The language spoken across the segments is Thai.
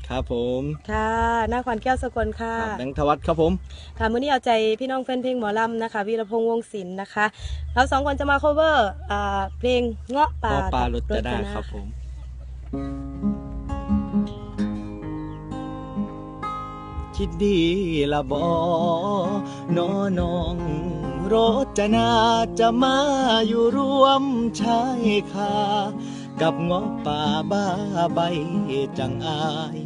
ครับผมค่ะหน้าขวัญแก้วสกลค่ะแบงค์ธวัฒน์ครับผมค่ะมื้อนี้เอาใจพี่น้องแฟนเพลงหมอลำนะคะวีรพงษ์วงศิลป์นะคะเรา2 คนจะมา cover เพลงเงาะป่ารถจะได้ครับผมคิดดีละบน้องรจนาจะมาอยู่ร่วมชายคากับเงาะป่าบ้าใบจังอาย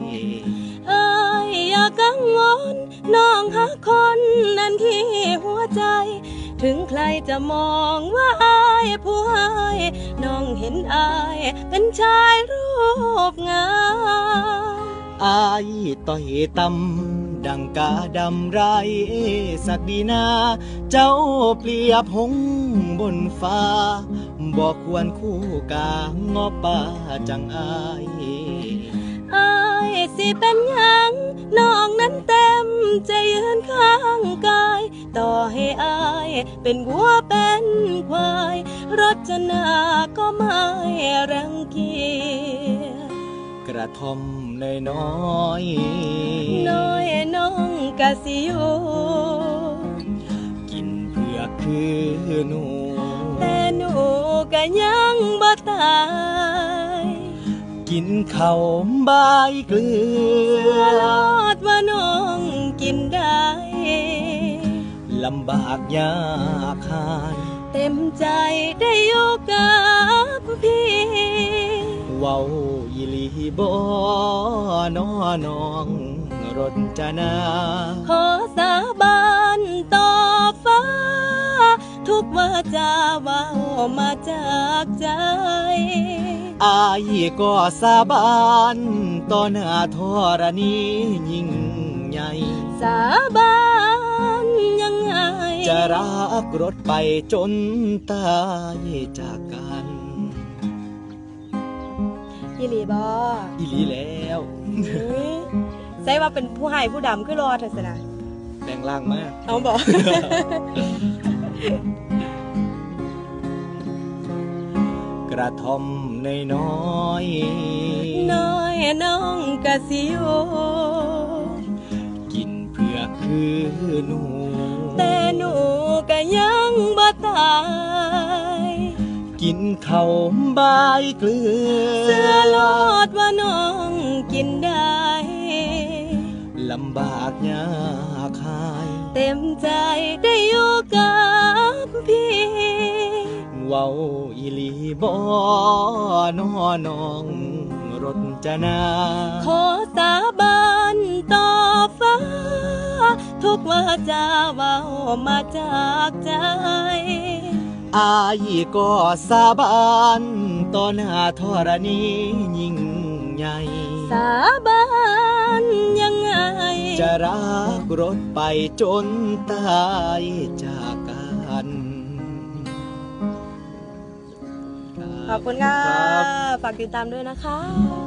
อย่ากังวลน้องหาคนนั้นที่หัวใจถึงใครจะมองว่าอายผู้ให้น้องเห็นอายเป็นชายรูปงามอายต่อยตำดังกาดำไรสักดีนาเจ้าเปรียบหงบนฟ้าบอกควรคู่กางอป่าจังอายสิเป็นยังน้องนั้นเต็มใจยืนข้างกายต่อให้อายเป็นวัวเป็นควายรจนาก็ไม่รังเกียจกระทอมน้อยน้องกะสิอยู่กินเพื่อคือหนูแต่หนูก็ยังบ่ตายกินข้าวใบเกลือลอดว่าน้องกินได้ลำบากยากหายเต็มใจได้อยู่กับพี่เว้าอีหลีบ่น้องรจนาขอสาบานต่อฟ้าทุกวาจาเว้ามาจากใจอายก็สาบานต่อหน้าธรณียิ่งใหญ่สาบานยังไงจะรักรถไปจนตายจากกันอีหลีบ่อีหลีแล้วใช่ว่าเป็นผู้ให้ผู้ดำคือรอเถอะสินะแปลงร่างมากเอาบอกกระทอมน้อยน้องกะสิโยกินเพื่อคือหนูแต่หนูก็ยังบ่ตายกินข้าวใบเกลือเสื้อลอดว่าน้องกินได้ลำบากยากหายเต็มใจได้อยู่กับพี่เว้าอีหลีบ่น้องรจนาขอสาบานต่อฟ้าทุกวาจาเว้ามาจากใจอายก็สาบานต่อหน้าธรณียิ่งใหญ่สาบานยังไงจะรักรถไปจนตายจากกันขอบคุณค่ะฝากติดตามด้วยนะคะ